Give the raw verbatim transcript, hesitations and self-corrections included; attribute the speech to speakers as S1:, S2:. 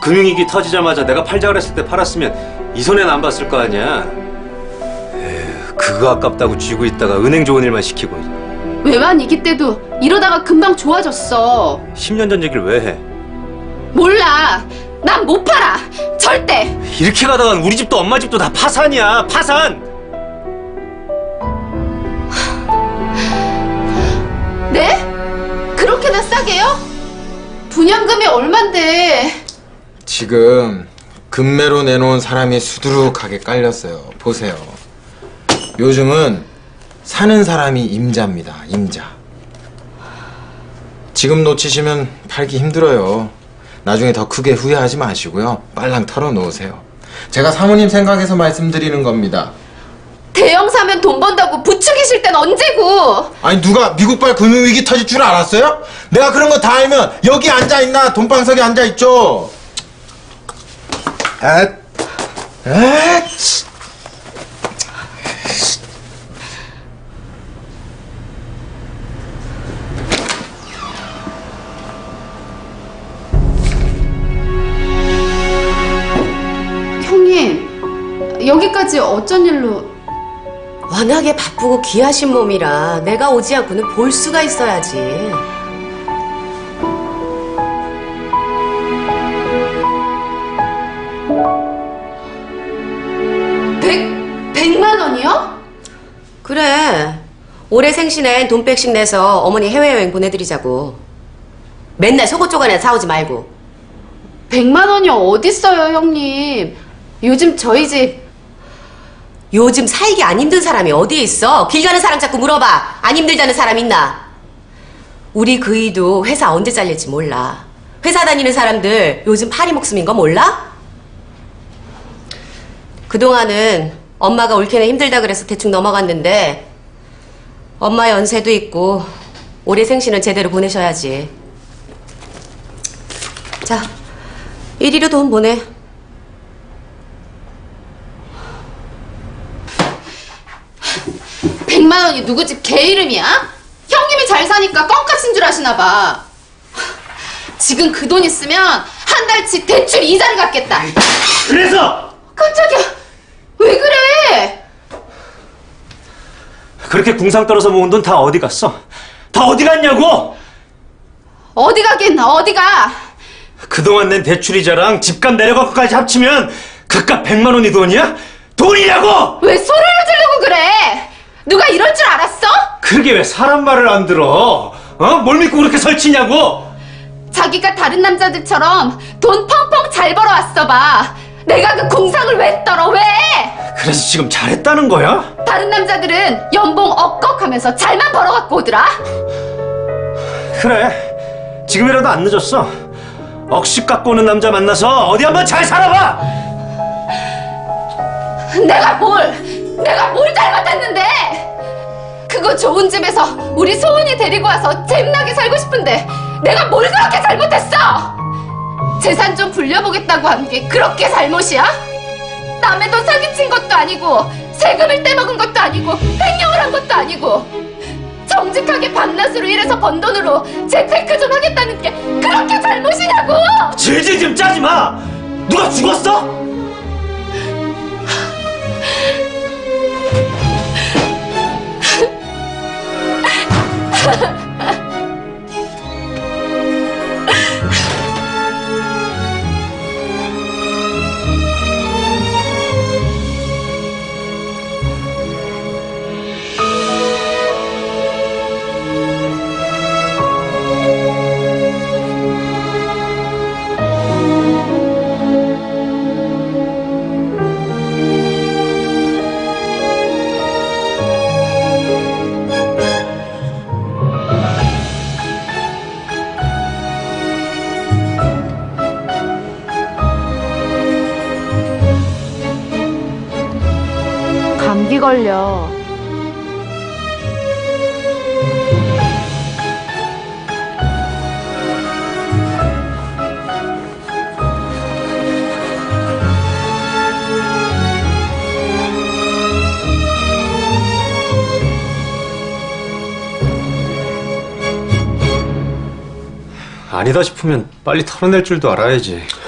S1: 금융위기 터지자마자 내가 팔자 그랬을 때 팔았으면 이 손해는 안 봤을 거 아니야. 에휴, 그거 아깝다고 쥐고 있다가 은행 좋은 일만 시키고.
S2: 외환위기 때도 이러다가 금방 좋아졌어.
S1: 십 년 전 얘기를 왜 해?
S2: 몰라. 난 못 팔아. 절대.
S1: 이렇게 가다간 우리 집도 엄마 집도 다 파산이야. 파산!
S2: 네? 그렇게나 싸게요? 분양금이 얼만데?
S3: 지금 금매로 내놓은 사람이 수두룩하게 깔렸어요. 보세요. 요즘은 사는 사람이 임자입니다. 임자. 지금 놓치시면 팔기 힘들어요. 나중에 더 크게 후회하지 마시고요. 빨랑 털어놓으세요. 제가 사모님 생각해서 말씀드리는 겁니다.
S2: 대형 사면 돈 번다고 부추기실 땐 언제고?
S3: 아니 누가 미국발 금융위기 터질 줄 알았어요? 내가 그런 거 다 알면 여기 앉아있나 돈방석에 앉아있죠. 에? 에?
S2: 형님, 여기까지 어쩐 일로?
S4: 워낙에 바쁘고 귀하신 몸이라 내가 오지 않고는 볼 수가 있어야지.
S2: 백, 백만 원이요?
S4: 그래. 올해 생신엔 돈 백씩 내서 어머니 해외여행 보내드리자고. 맨날 속옷 조간에 사오지 말고.
S2: 백만 원이 어딨어요, 형님. 요즘 저희 집
S4: 요즘 살기 안 힘든 사람이 어디에 있어? 길 가는 사람 자꾸 물어봐. 안 힘들다는 사람 있나? 우리 그이도 회사 언제 잘릴지 몰라. 회사 다니는 사람들 요즘 파리 목숨인 거 몰라? 그동안은 엄마가 옳게는 힘들다 그래서 대충 넘어갔는데 엄마 연세도 있고 올해 생신은 제대로 보내셔야지. 자, 이리로 돈 보내.
S2: 백만 원이 누구 집 개 이름이야? 형님이 잘 사니까 껌값인 줄 아시나 봐. 지금 그 돈 있으면 한 달치 대출 이자를 갚겠다.
S1: 그래서!
S2: 깜짝이야. 왜 그래?
S1: 그렇게 궁상 떨어서 모은 돈 다 어디 갔어? 다 어디 갔냐고!
S2: 어디 가긴 어디가.
S1: 그동안 낸 대출이자랑 집값 내려간 것까지 합치면 그깟 백만 원이 돈이야? 돈이냐고!
S2: 왜 소리를 지르고 그래? 누가 이럴 줄 알았어?
S1: 그게 왜 사람 말을 안 들어? 어? 뭘 믿고 그렇게 설치냐고?
S2: 자기가 다른 남자들처럼 돈 펑펑 잘 벌어왔어 봐. 내가 그 공상을 왜 떨어? 왜?
S1: 그래서 지금 잘했다는 거야?
S2: 다른 남자들은 연봉 억걱하면서 잘만 벌어갖고 오더라.
S1: 그래, 지금이라도 안 늦었어. 억식 갖고 오는 남자 만나서 어디 한번 잘 살아봐!
S2: 내가 뭘, 내가 뭘 잘못했는데? 그거 좋은 집에서 우리 소은이 데리고 와서 잼나게 살고 싶은데 내가 뭘 그렇게 잘못했어? 재산 좀 불려보겠다고 한 게 그렇게 잘못이야? 남의 돈 사기친 것도 아니고 세금을 떼먹은 것도 아니고 횡령을 한 것도 아니고 정직하게 밤낮으로 일해서 번 돈으로 재테크 좀 하겠다는 게 그렇게 잘못이냐고!
S1: 질질 좀 짜지 마! 누가 죽었어?
S2: 감기 걸려.
S1: 아니다 싶으면 빨리 털어낼 줄도 알아야지.